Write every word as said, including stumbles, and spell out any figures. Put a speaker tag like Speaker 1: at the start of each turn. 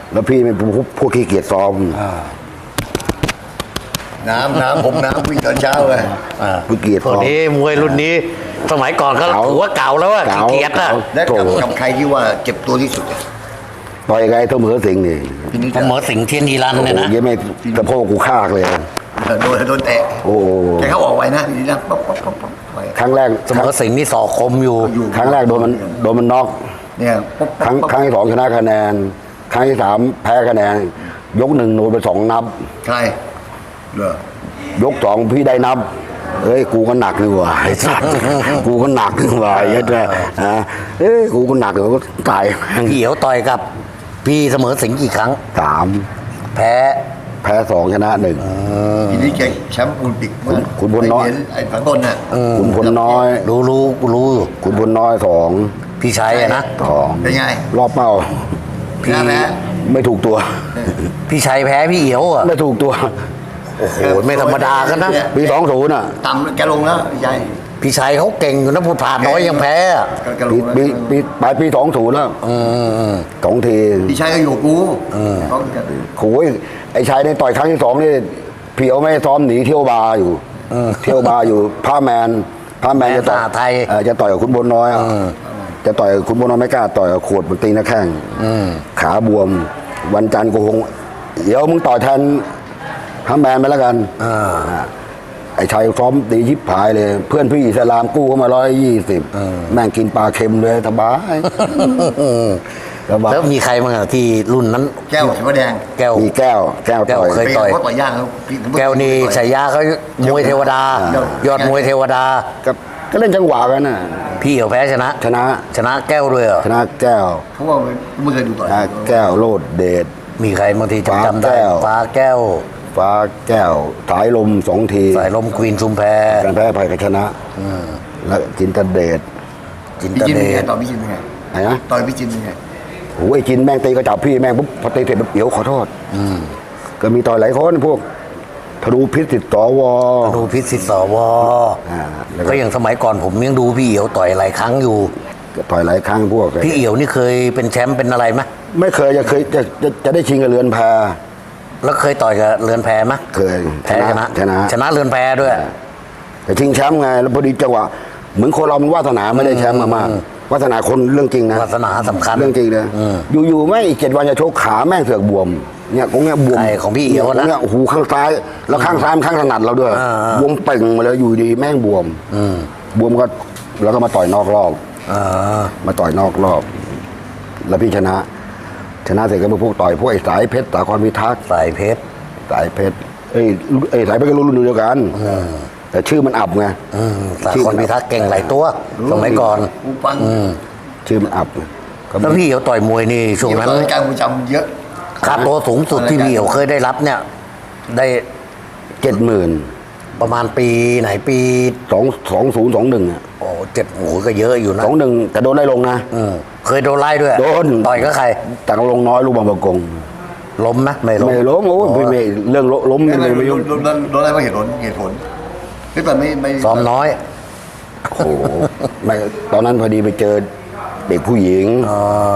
Speaker 1: แล้วพี่เป็นพวกพวกขี้เกียจซ้อม
Speaker 2: น้ำน้ำผมน้ำวิ่งตอนเช้าเลย
Speaker 1: พวกเกียจ
Speaker 3: พว
Speaker 1: ซ้
Speaker 3: ก
Speaker 1: อม
Speaker 3: นี้มวยรุ่นนี้ สมัยก่อนก็
Speaker 1: เก่า
Speaker 3: ถือว่าเก่าแล้วอะ
Speaker 1: เก่า
Speaker 3: ขี้เกียจอะ
Speaker 1: เก่า
Speaker 2: และกับ
Speaker 1: โถ่
Speaker 2: กับใครที่ว่าเจ็บตัวที่สุดอะ
Speaker 1: ต่อยไงเสมอสิงห์นี่
Speaker 2: พี่นิด
Speaker 3: เสมอสิงห์เทียนยีรัน
Speaker 1: โอ้
Speaker 3: เนี่ย
Speaker 1: โห
Speaker 3: นะ
Speaker 1: ยังไม่ตะโพกกูคากเลย
Speaker 2: โดนโดนเตะ
Speaker 1: โอ้โห
Speaker 2: แต่เขาออกไวนะพี่นิดนะป๊อปป๊อปป๊อปป๊อปไป
Speaker 1: ครั้งแรก
Speaker 3: เสมอสิงห์นี่สอกคมอยู่
Speaker 2: อยู่
Speaker 1: ครั้งแรกโดนมันโดนมันน็อก
Speaker 2: เนี่ยป๊อป
Speaker 1: ครั้งครั้งที่สองชนะคะแนน ครั้งที่สามแพ้คะแนน ยกหนึ่งโดนไปสองนับ
Speaker 2: ใครเหรอย
Speaker 1: กสองพี่ได้นับ เอ้ยกูก็หนักนี่หว่าไอ้สัส กูก็หนักนี่หว่าไอ้ยัดเนี่ยนะเอ้ยกูก็หนักเดี๋ยวก็ตาย
Speaker 3: พี่เอ๋วต่อยกับ พี่เสมอสิงห์กี่ครั้ง
Speaker 1: สาม
Speaker 3: แพ้
Speaker 1: แพ้สองชนะหนึ่ง
Speaker 2: พี่นิดแกแชมป์โอลิมปิกเมื่อ
Speaker 1: คุณพลน้อย
Speaker 2: ไเหรีญไอ้ฝังต้นน่ะ
Speaker 1: ขุนพลน้อย
Speaker 3: รู้รู้รู้อยู่
Speaker 1: ขุนพลน้อยสอง
Speaker 3: พี่ชัยอะนะ
Speaker 1: สอง
Speaker 2: เป็นไง
Speaker 1: รอบเป้า
Speaker 2: พี่แพ้
Speaker 1: ไม่ถูกตัว
Speaker 3: พี่ชัยแพ้พี่เอ๋วอะ
Speaker 1: ไม่ถูกตัว
Speaker 3: โอ้โหไม่ธรรมดากันนะ
Speaker 1: ปีสองศูนย์อ่ะ
Speaker 2: ต่ำแกลงแล้วพี่ชัย
Speaker 3: พี่ชัยเขาเก่งอยู่นะพูดผ่านน้อยยังแพ้อะ
Speaker 2: แกล
Speaker 1: ปี
Speaker 2: งแล้ว
Speaker 1: ปีปีปลายปีสองศูนย์แล้ว
Speaker 3: อืมอืม
Speaker 1: สองที
Speaker 2: พี่ชัยก็อยู่กับกูเขาก็
Speaker 1: โอ้ยไอ้ชายในต่อยครั้งที่สองนี่เพียวไม่ซ้อมหนีเที่ยวบาร์อยู่เที่ยวบาร์อยู่ผ้าแมนผ้าแมนจะต่อย
Speaker 3: แมนสหไทย
Speaker 1: เอ่อจะต่อยกับคุณบนน้อยอะจะต่อยกับคุณบนน้อยไม่กล้าต่อยกับขวดมันตีหน้าแข้งขาบวม วันจันทร์กูคงเดี๋ยวมึงต่อยแทนผ้าแมนไปแล้วกันอ่าไอ้ชายซ้อมตียิบผายเลย เพื่อนพี่อิสลามกู้เข้ามาร้อยยี่สิบแม่งกินปลาเค็มเลยสบายสบาย
Speaker 3: แล้วมีใครบ้างอะที่รุ่นนั้น
Speaker 2: แก้วเขียวแดง
Speaker 3: แก้ว
Speaker 1: มีแก้ว แก้ว
Speaker 3: แก้ว
Speaker 1: ต่อย
Speaker 3: เคย ต่อ
Speaker 2: เขาต่อยยากเขาพี่
Speaker 3: แก้วนี่ฉายาเขามวยเทวดา ยอดมวยเทวดา
Speaker 1: ก็ก็เล่นจังหวะกันน่ะ
Speaker 3: พี่เอ๋วแพ้ชนะ
Speaker 1: ชนะ
Speaker 3: ชนะแก้วด้วยเหรอ
Speaker 1: ชนะแก้ว
Speaker 2: เขาว่าไม่เคยดูต่อย
Speaker 1: ชนะแก้วโลดเดช
Speaker 3: มีใครบางทีจำจำได้
Speaker 1: ฟ้าแก้ว
Speaker 3: ฟ้าแก้ว
Speaker 1: ฟ้าแก้วสายลมสองที
Speaker 3: สายลมควีนชุมแพ
Speaker 1: การแพ้ภัยก็ชนะแล้วจินตเดช
Speaker 3: จิน
Speaker 2: พี่
Speaker 3: ต
Speaker 2: จิน
Speaker 3: เด
Speaker 2: เป็นไง
Speaker 3: ช
Speaker 2: ต่อยพี่จินเป็นไง
Speaker 1: ไหนนะ
Speaker 2: ต่อยพี่จินเป็นไง
Speaker 1: โอ้ยจินแม่งตีก็จับพี่แม่งปุ๊บพอตีเสร็จปุ๊บเดี๋ยวขอโทษก็มีต่อยหลายคนพวกธนูพิษติดต่อวอ
Speaker 3: ดูพิษสิทธิ์สว
Speaker 1: อ่าแล้วก็
Speaker 3: ก็อย่างสมัยก่อนผมยังดูพี่เอ๋วต่อยหลายครั้งอยู่
Speaker 1: ก็ต่อยหลายครั้งพวก
Speaker 3: พี่เอ๋วนี่เคยเป็นแชมป์เป็นอะไรไหม
Speaker 1: ไม่เคยจะเคยจะจะจะได้ชิงกับเรือนแพ
Speaker 3: แล้วเคยต่อยกับเรือนแพไหม
Speaker 1: เคย
Speaker 3: แพ้ชนะ
Speaker 1: ชนะ
Speaker 3: ชนะเรือนแพด้วย
Speaker 1: แต่ชิงแชมป์ไงแล้วพอดีจังหวะเหมือนคนเรามันวาสนาไม่ได้แชมป์มามากวาสนาคนเรื่องจริงนะ
Speaker 3: วาสนาสำคัญ
Speaker 1: เรื่องจริงเลยอยู่ๆไม่อีกเจ็ดวันจะโชกขาแม่งเสือกบวมเนี่ยของเนี้ยบวม
Speaker 3: ใช่ของพี่เอ๋วนะ
Speaker 1: เนี่ยโอ้โหข้างซ้ายแล้วข้างซ้ายมันข้างถนัดเราด้วย
Speaker 3: อ่าๆ
Speaker 1: บวมเป่งมาเลยอยู่ดีแม่งบวมบวมก็แล้วก็มาต่อยนอกรอบ
Speaker 3: อ่า
Speaker 1: มาต่อยนอกรอบ แล้วพี่ชนะ ชนะเสร็จก็มาพวกต่อยพวกไอ้สายเพชรสาครพิทักษ์
Speaker 3: สายเพชร
Speaker 1: สายเพชรเอ้ยเอ้ยสายเพชรก็รุ่นเดียวกันแต่ชื่อมันอับไง
Speaker 3: อืมสายคนพิทักษ์เก่งหลายตัว สมัยก่อน
Speaker 2: กูฟัง
Speaker 1: ชื่อมันอับไงก็
Speaker 3: แล้วพี่เอ๋วต่อยมวยนี่ช่วงนั้น
Speaker 2: ต่อยการกูจำเยอะ
Speaker 3: ค่าตัวสูงสุดที่พี่เอ๋วเคยได้รับเนี่ย ได้
Speaker 1: เจ็ดหมื่น
Speaker 3: ประมาณปีไหนปี
Speaker 1: สองสองศูนย์สองหนึ่ง
Speaker 3: โอ้เจ็ดโอ้โหก็เยอะอยู่นะ
Speaker 1: สองหนึ่งแต่โดนไล่ลงนะ
Speaker 3: อืมเคยโดนไล่ด้วย
Speaker 1: โดน
Speaker 3: ต่อยก็ใคร
Speaker 1: แต่ลงน้อยลูกบางประกง
Speaker 3: ล้มไหมไม่ล้ม
Speaker 1: ไม่ล้มโอ้ยไม่ไม่เรื่องล้ม
Speaker 2: ไม่
Speaker 1: ไม่
Speaker 2: ไม่
Speaker 1: ไม่
Speaker 2: ไม่
Speaker 1: ยุ่ง
Speaker 2: โดนโดนโดนอะไรไม่เหตุผลเหตุผลคือแต่ไม่ไม่
Speaker 3: ซ้อมน้อย
Speaker 1: โอ้โหไม่ตอนนั้นพอดีไปเจอเด็กผู้หญิง